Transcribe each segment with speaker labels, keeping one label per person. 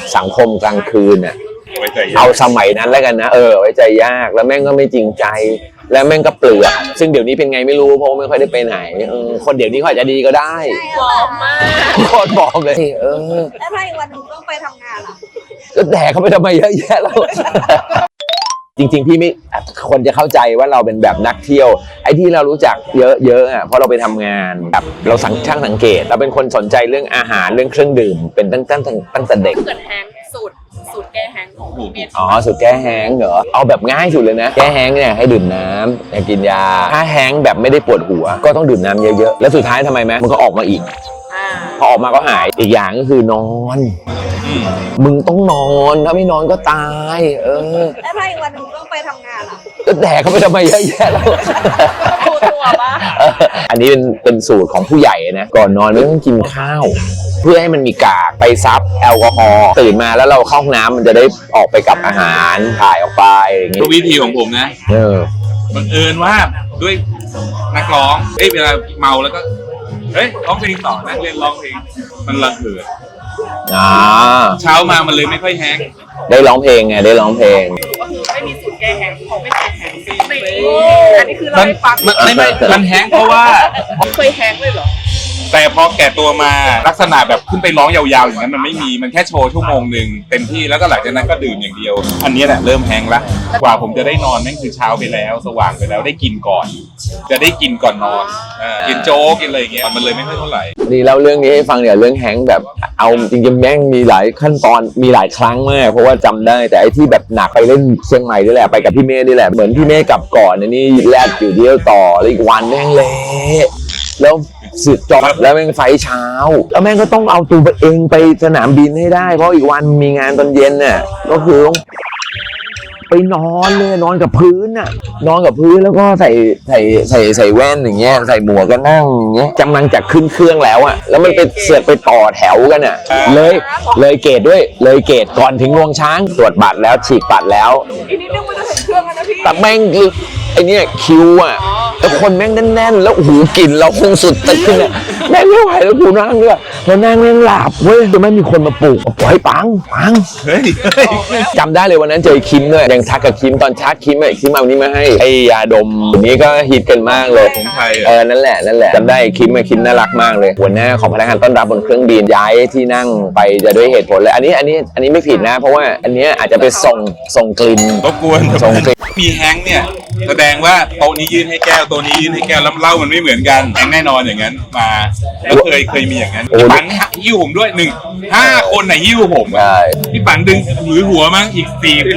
Speaker 1: สังคมกลางคืนอ่ะเอาสมัยนั้นแล้วกันนะไว้ใจยากแล้วแม่งก็ไม่จริงใจแล้วแม่งก็เปลือกซึ่งเดี๋ยวนี้เป็นไงไม่รู้เพราะไม่ค่อยได้ไปไหนคนเดี๋ยวนี้เขาอาจจะดีก็ได้
Speaker 2: บอมมาก
Speaker 1: โคตรบอมเลย
Speaker 2: แล้วถ้าอีกวันนึงต้องไปทำงานล่ะ
Speaker 1: ก็แดกเขาไปทำไมเยอะแยะแล้วจริงๆพี่ไม่คนจะเข้าใจว่าเราเป็นแบบนักเที่ยวไอ้ที่เรารู้จักเยอะๆอ่ะเพราะเราไปทำงานแบบเราช่างสังเกตเราเป็นคนสนใจเรื่องอาหารเรื่องเครื่องดื่มเป็นตั้งแต่เด็ก
Speaker 2: เกิดแฮงสูตรแก้แฮงของพี่เมย์
Speaker 1: สูตรแก้แห้งเหรอเอาแบบง่ายสุดเลยนะแก้แห้งเนี่ยให้ดื่มน้ำอย่ากินยาถ้าแห้งแบบไม่ได้ปวดหัวก็ต้องดื่มน้ำเยอะๆแล้วสุดท้ายทำไมไหมมันก็ออกมาอีกพอออกมาก็หายอีกอย่างก็คือนอนมึงต้องนอนถ้าไม่นอนก็ตาย
Speaker 2: แล้วถ้าอีกวันนึงต้องไปทำงานล่ะ
Speaker 1: ก็แดกเขาไปทำไมเยอะแยะแล้ว
Speaker 2: ตัวปะ
Speaker 1: อันนี้เป็นสูตรของผู้ใหญ่นะก่อนนอนไม่ต้องกินข้าวเพื่อให้มันมีกากไปซับแอลกอฮอล์ตื่นมาแล้วเราเข้าห้องน้ำมันจะได้ออกไปกับอาหารถ่ายออกไปอย่างนี้
Speaker 3: วิธีของผมนะบังเอิญว่าด้วยนักร้องเวลาเมาแล้วก็ร้องเพลงต่อนั่งเล่นร้องเพลงมันระเหิดเช้ามามันเลยไม่ค่อยแห้ง
Speaker 1: ได้ร้องเพลงไงได้ร้องเพลง
Speaker 2: ก็คือไม่มีสูตรแก้แห้งเขาไม่เคยแห้งอันนี้คือเราไม่ฟัง
Speaker 3: มันแห้งเพราะว่า
Speaker 2: เคยแห้งเลยเหรอ
Speaker 3: แต่พอแก่ตัวมาลักษณะแบบขึ้นไปร้องยาวๆอย่างนั้นมันไม่มีมันแค่โชว์ชั่วโมงหนึ่งเต็มที่แล้วก็หลังจากนั้นก็ดื่มอย่างเดียวอันนี้แหละเริ่มแห้งละกว่าผมจะได้นอนนั่นคือเช้าไปแล้วสว่างไปแล้วได้กินก่อนจะได้กินก่อนนอนกินโจ๊กกินอะไรอย่างเงี้ยมันเลยไม่ค่อยเท่าไหร่
Speaker 1: นี่เล่าเรื่องนี้ให้ฟังเนี่ยเรื่องแห้งแบบเอาจริงๆแม่งมีหลายขั้นตอนมีหลายครั้งมากเพราะว่าจำได้แต่ไอ้ที่แบบหนักไปเล่นเชียงใหม่นี่แหละไปกับพี่เมย์นี่แหละเหมือนพี่เมย์กลับก่อนนี่แลดอยู่เดียวต่อแล้วอีกวันแม่งเละแล้วสึกจอดแล้วแม่งไฟเช้าแล้วแม่งก็ต้องเอาตัวเองไปสนามบินให้ได้เพราะอีกวันมีงานตอนเย็นน่ะก็คือไปนอนเลยนอนกับพื้นน่ะนอนกับพื้นแล้วก็ใส่แว่นอย่างเงี้ยใส่หมวกก็นั่งอย่างเงี้ยกำลังจะขึ้นเครื่องแล้วอ่ะแล้วมันไปเสือกไปต่อแถวกันอ่ะเลยเกตด้วยเลยเกตก่อนถึงงวงช้างตรวจบัตรแล้วฉีกบัตรแล้ว
Speaker 2: อีนี้นึกว่าจะถึงเครื่องแล้วนะพี่
Speaker 1: แต่แม่งคือไอ้เนี่ยคิวอ่ะแล้วคนแม่งแน่นๆแล้วหูกลิ่นเราคงสุดตึ้งเนี่ยแม่งไม่ไหวแล้วกูนั่งด้วยแล้วนั่งแม่งหลับเว้ยแต่ไม่มีคนมาปลุกปล่อยปังจำได้เลยวันนั้นเจอคิมด้วยยังทักกับคิมตอนชาร์จคิมคิมเอานี้มาให้ไอ้ยาดมนี้ก็ฮิตกันมากเลย
Speaker 3: ของไทย
Speaker 1: นั่นแหละจำได้คิมน่ารักมากเลยหัวหน้าของพนักงานต้อนรับบนเครื่องบินย้ายที่นั่งไปจะด้วยเหตุผลเลยอันนี้ไม่ผิดนะเพราะว่าอันนี้อาจจะไปส่งกลิ่น
Speaker 3: รบกวนส่งกลิ่นมีแฮงเนี่ยแสดงว่าโต๊ะนี้ยื่นให้แก้วโต๊ะนี้ยื่นให้แก้วแล้วเหล้ามันไม่เหมือนกันแฮงแน่นอนอย่างนั้นมาแล้วเคยมีอย่างนั้นพี่ปันหิ้วผมด้วย5 คนไหนหิ้วผมพี่ปันดึงมือหัวมั้งอีก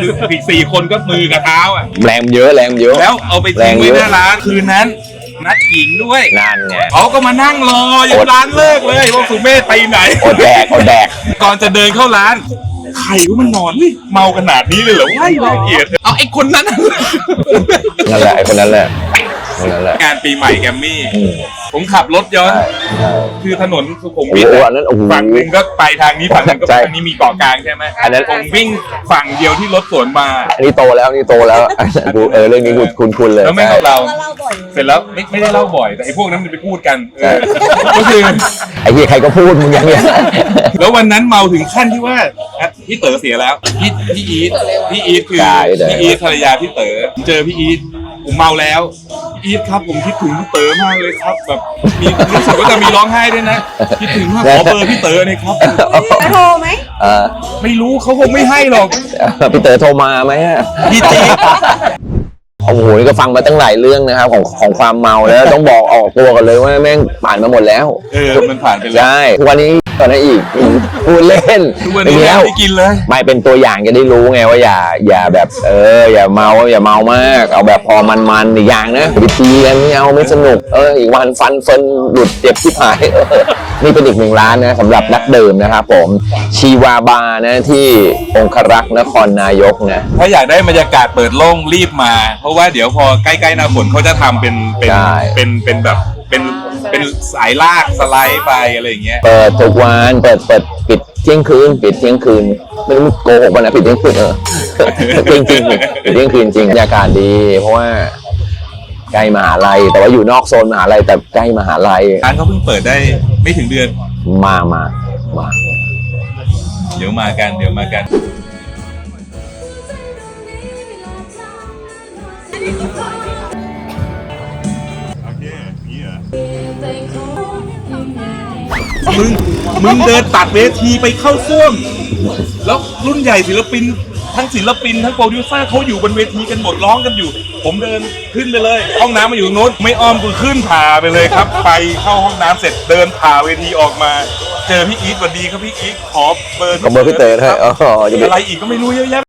Speaker 3: 4 คนก็มือกับเท้า
Speaker 1: แรงเยอะ
Speaker 3: แล้วเอาไปทิ้งไว้หน้าร้านคืนนั้นนัดหญิงด้วย
Speaker 1: นั่นไง
Speaker 3: เขาก็มานั่งรออยู่ร้านเลิกเลยว่าสุเมธไปไหน
Speaker 1: อดแดก
Speaker 3: ก่อนจะเดินเข้าร้านใครว่ามันนอนเมาขนาดนี้เลยเหรอว้ายน่าเกลียดเอาไอ้คนนั้น
Speaker 1: นั่นแหละไอ้คนนั้นแหละ
Speaker 3: งานปีใหม่แกมมี่ผมขับรถย้อนคือถนนสุขุมวิทฝั่งนึงก็ไปทางนี้ฝั่งนึงก็ไปทางนี้มีเกาะกลางใช่ไหมอันนั้นผมวิ่งฝั่งเดียวที่รถสวนมา
Speaker 1: อันนี้โตแล้วเรื่องนี้คุณเลย
Speaker 3: แล้วไม่เราเสร็จแล้วไม่ได้เล่าบ่อยแต่ไอ้พวกนั้นมันไปพูดกันก็คือ
Speaker 1: ไอ้เหี้ยใครก็พูดมึงอย่างเงี้ย
Speaker 3: แล้ววันนั้นเมาถึงขั้นที่ว่าพี่เต๋อเสียแล้วพี่อีทคือพี่อีทภรรยาพี่เต๋อเจอพี่อีทผมเมาแล้วอีทครับผมคิดถึงพี่เต๋อมากเลยครับแบบมีรู้สึกว่าจะมีร้องไห้ด้วยนะคิดถึงมากขอเบอร์พี่เต๋อเลยครับ
Speaker 2: โทรไหม
Speaker 3: ไม่รู้เขาคงไม่ให้หรอก
Speaker 1: พี่เต๋อโทรมาไหม
Speaker 3: พี่จี
Speaker 1: โอ้โหนี่ก็ฟังมาตั้งหลายเรื่องนะครับของความเมาแล้วต้องบอกออกตัวกันเลยว่าแม่งผ่านมาหมดแล้ว
Speaker 3: มันผ่านไปแล้ว
Speaker 1: ใช่ทุกวันนี้ตอนนั้นอีกพูดเล่น
Speaker 3: ไม่กินเลย
Speaker 1: ไม่เป็นตัวอย่างจะได้รู้ไงว่าอย่าแบบอย่าเมามากเอาแบบพอมันอีกอย่างนะวิธีกันไม่เอาไม่สนุกอีกวันฟันหลุดเจ็บที่หายนี่เป็นอีก1 ร้านนะสำหรับนักดื่มนะครับผมชีวาบาร์นะที่องครักษ์นครนายกนะ
Speaker 3: ถ้าอยากได้บรรยากาศเปิดโล่งรีบมาเพราะว่าเดี๋ยวพอใกล้ๆหน้าฝนเขาจะทำเป็นแบบเป็นสายลากสไลด์ไปอะไรอย่างเงี้ย
Speaker 1: เปิดทุกวันเปิดปิดเที่ยงคืนไม่รู้โกหกวันนะปิดเที่ยงคืนจริงปิดเที่ยงคืนจริงบรรยากาศดีเพราะว่าใกล้มหาลัยแต่ว่าอยู่นอกโซนมหาลัยแต่ใกล้มหาลัย
Speaker 3: ร้านเขาเพิ่งเปิดได้ไม่ถึงเดือน
Speaker 1: มา
Speaker 3: ดี๋ยวมากันเดี๋ยวมากันโอเคนี่เหรอมึงเดินตัดเวทีไปเข้าซ่วมแล้วรุ่นใหญ่ศิลปินทั้งศิลปินทั้งโปรดิวเซอร์เขาอยู่บนเวทีกันหมดร้องกันอยู่ผมเดินขึ้นไปเลยห้องน้ำมาอยู่ตรงนู้นไม่อ้อมกูขึ้นผ่าไปเลยครับไปเข้าห้องน้ำเสร็จเดินผ่าเวทีออกมาเจอพี่อีทสวัสดีครับพี่อีทขอเบอร์
Speaker 1: ขอเบอร์พี่เต๋อให้อ๋อ
Speaker 3: อะไรอีกก็ไม่รู้เยอะแยะ